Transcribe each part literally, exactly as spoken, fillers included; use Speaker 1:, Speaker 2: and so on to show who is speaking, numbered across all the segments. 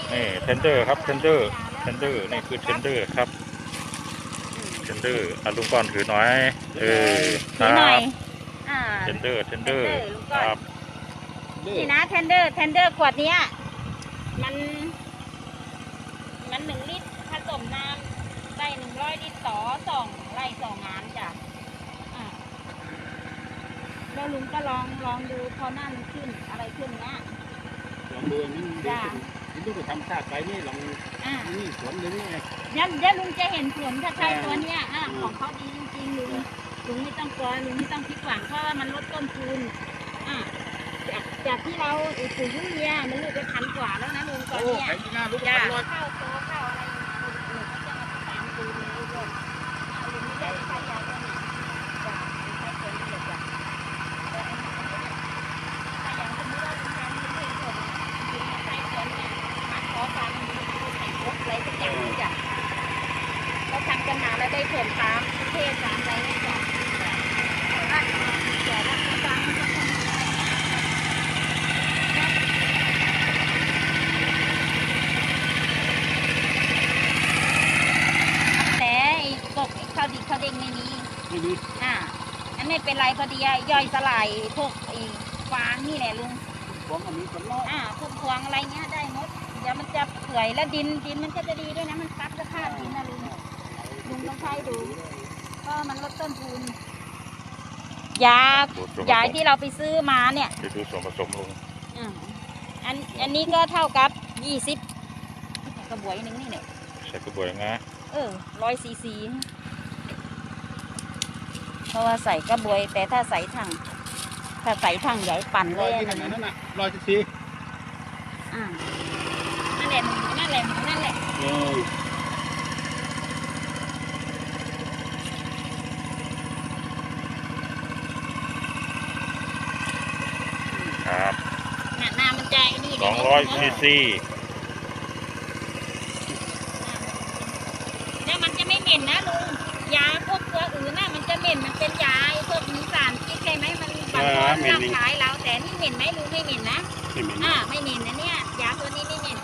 Speaker 1: นี่เทนเดอร์ครับเทนเดอร์เทนเดอร์นี่คือเทนเดอร์ครับเทนเดอร์อาลุงก้อนถือหน่อยเออค
Speaker 2: ถือ
Speaker 1: รั
Speaker 2: หน่อย
Speaker 1: บ
Speaker 2: อ่า
Speaker 1: เทนเดอร์เทนเดอร์
Speaker 2: Tender ลุง
Speaker 1: ค
Speaker 2: ก้อน
Speaker 1: รับ
Speaker 2: นี่นะเทนเดอร์เทนเดอร์ขวดเนี้ยมัน มันหนึ่งลิตรผสมน้ำได้หนึ่งร้อยลิตรต่อสองไร่สองงานจ้ะอ่าแล้วลุงก็ลองลองดูพอหน้ามันขึ้นอะไรขึ้นนะ
Speaker 3: ลองดูนี่ดู
Speaker 2: จ้ะ
Speaker 3: นี่ดูทำชาติไปนี่ลอง
Speaker 2: อ่า
Speaker 3: นี่สวนเลยนี่ไง
Speaker 2: เดี๋ยวเดี๋ยวลุงจะเห็นผลถ้าใช้ตัวเนี้ยอ่า
Speaker 3: อืม
Speaker 2: ของเขาดีจริงๆลุงลุงไม่ต้องกลัวลุงไม่ต้องคิดหวังเพราะว่ามันลดต้นทุนอ่าจากจากที่เราปุ๋ยยูเรียมันลูกไปพันกว่าแล้วนะลุงตอน
Speaker 3: โอ้
Speaker 2: เนี้ย
Speaker 3: แข็งที่หน้าลูก
Speaker 2: จ้ะ
Speaker 3: พันร้อย
Speaker 2: เข้าโซเข้าอะไรอย่างเงี้ยลุงก็จะมาตามดูเลยลุงอ่าลุงไม่ได้ใช้ยาตัวนี้จ้ะลุงใช้ตัวนี้เลยจ้ะแต่อันนี้ถ้าอย่างสมมติว่าลุงทำลุงไม่ผลลุงใช้ตัวเนี้ยมัดคอฟันลุงใส่ครบอะไรสักอย่างนี้จ้ะเราทำกันมาแล้วได้ผลตามเทศตามอะไรเนี่ยจ้ะแต่ว่าแต่ว่าฟังมันจะทำแต่ไอ้กบไอ้ข้าวดิบข้าวเด้งไม่มี
Speaker 3: ไม่มี
Speaker 2: อ่าอันไม่เป็นไรพอดีอะย่อยสลายพวกไอ้ฟางนี่แหละลุง
Speaker 3: ของอันนี้คนน้อย
Speaker 2: อ่าพวกพวงอะไรเงี้ยได้หมด เดี๋ยวมันจะเปื่อยแล้วดินดินมันก็จะดีด้วยนะ มันซับสภาพดินนะลุง ลุงต้องใช้ดูก็มันลดต้นทุน ยา
Speaker 1: ดูส่วนผ
Speaker 2: ยา
Speaker 1: สม
Speaker 2: ที่เราไปซื้อมาเนี่ย
Speaker 1: เดี๋ยวดูส่วนผสมลุง
Speaker 2: อ่าอันอันนี้ก็เท่ากับยี่สิบกระบวยหนึ่งนี่เนี่ย
Speaker 1: ใส่กระบวยงา
Speaker 2: เออร้อยซีซี เพราะว่าใส่กระบวย แต่ถ้าใส่ถัง ถ้าใส่ถังใหญ่ปั่นเล
Speaker 3: ร้อย
Speaker 2: ย
Speaker 3: ที่
Speaker 2: อัน
Speaker 3: ไหน
Speaker 2: นั้น
Speaker 3: นั่นน่ะร้อยสิบสี่
Speaker 2: อ่านั่นแหละหนูนั่นแหละหนูนั่นแหละ
Speaker 3: เออ
Speaker 1: ครับ
Speaker 2: น่ะน้ำมันจะไอ้นี่
Speaker 1: สองร้อยซีซี
Speaker 2: แล้วมันจะไม่เหม็นนะลุง ยาพวกตัวอื่นน่ะมันจะเหม็น มันเป็นยาไอ้พวกมีสารพิษใช่ไหมมันบางคนร่างกายเราแต่นี่เหม็นไหมลุงไม่เหม็นนะ
Speaker 3: ไม่เหม็น
Speaker 2: อ่าไม่เหม็นนะเนี่ย ยาตัวนี้ไม่เหม็น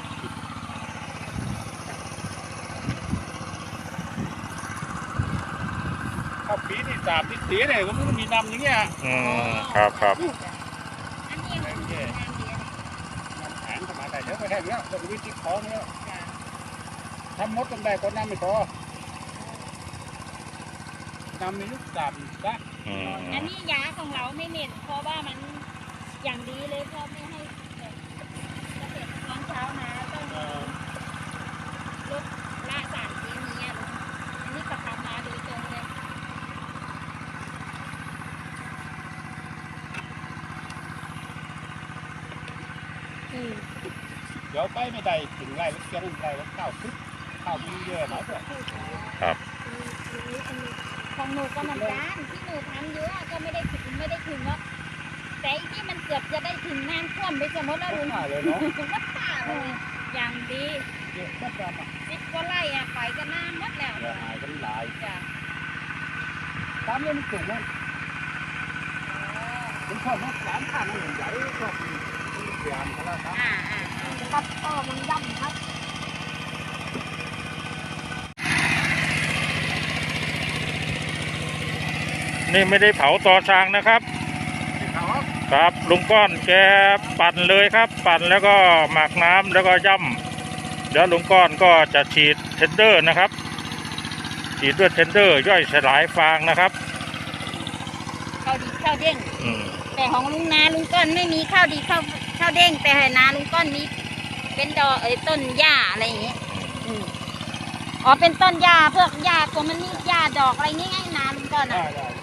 Speaker 3: ข้าวปีนี่สามที่สีเนี่ยก็มันมีดำอย่างเงี้ย
Speaker 1: อืมครับครับ
Speaker 2: อันนี้มันเป็นน้ำเดียว
Speaker 3: น้ำแข็งธรรมดาเดี๋ยวไปแห้งแล้วเราวิธีคอเนี่ย
Speaker 2: จ้ะ
Speaker 3: ทำมดต้องได้คนน้ำไม่พอน้ำมีลูกดำซะ
Speaker 1: อืม
Speaker 2: อันนี้ยาของเราไม่เหม็นเพราะว่ามันอย่างดีเลยเพราะไม่ให้แบบเกษตรกรเช้ามาต้อง
Speaker 3: เออ
Speaker 2: ลดละสารเคมีอ่ะลุงอันนี้ก็ทำมาโดยตรงเลย อืม
Speaker 3: เดี๋ยวไปไม่ได้ถึงไร่แล้วเสียงไร่แล้วข้าวคึกข้าวมีเยอะหน่อยเถอะ
Speaker 1: ครับ
Speaker 2: ของหนูก็เหมือนกันที่หนูทำเยอะก็ไม่ได้ถึงไม่ได้ถึงหรอกแต่อีที่มันเกือบจะได้ถึงน้ำท่วมไปสมมติแล้วลุง
Speaker 3: มาเลยเนาะ
Speaker 2: วัดป่าเลยอย่างดี
Speaker 3: เยอะมากดำอ่ะ
Speaker 2: สิบกว่าไร่อะไปก็น้ำหมดแล้ว
Speaker 3: เดี๋ยวหายกันหลาย
Speaker 2: จ้ะ
Speaker 3: ตามเรื่องมันสูงนะผมชอบมากร้านข้างมันใหญ่ชอบเสียงเขาแล้วครับ
Speaker 2: อ่าอ่าครับก็มันย่ำครับ
Speaker 1: นี่ไม่ได้เผาต่อช้างนะครับ
Speaker 3: ที่เขา
Speaker 1: ครับลุงก้อนแกปั่นเลยครับ ปั่นแล้วก็หมักน้ำแล้วก็ย่ำเดี๋ยวลุงก้อนก็จะฉีดเทนเดอร์นะครับ ฉีดด้วยเทนเดอร์ย่อยสลายฟางนะครับ
Speaker 2: ข้าวดีข้าวเด้ง
Speaker 1: อืม
Speaker 2: แต่ของลุงนาลุงก้อนไม่มีข้าวดีข้าวข้าวเด้งแต่นาลุงก้อนมีเป็นดอกเอ้ยต้นหญ้าอะไรอย่างเงี้ยอืมอ๋อเป็นต้นหญ้าพวกหญ้าตัวมันนี่หญ้าดอกอะไรงี้ไงนาลุงก้อน
Speaker 3: ได้
Speaker 2: อ่ะ
Speaker 3: ได้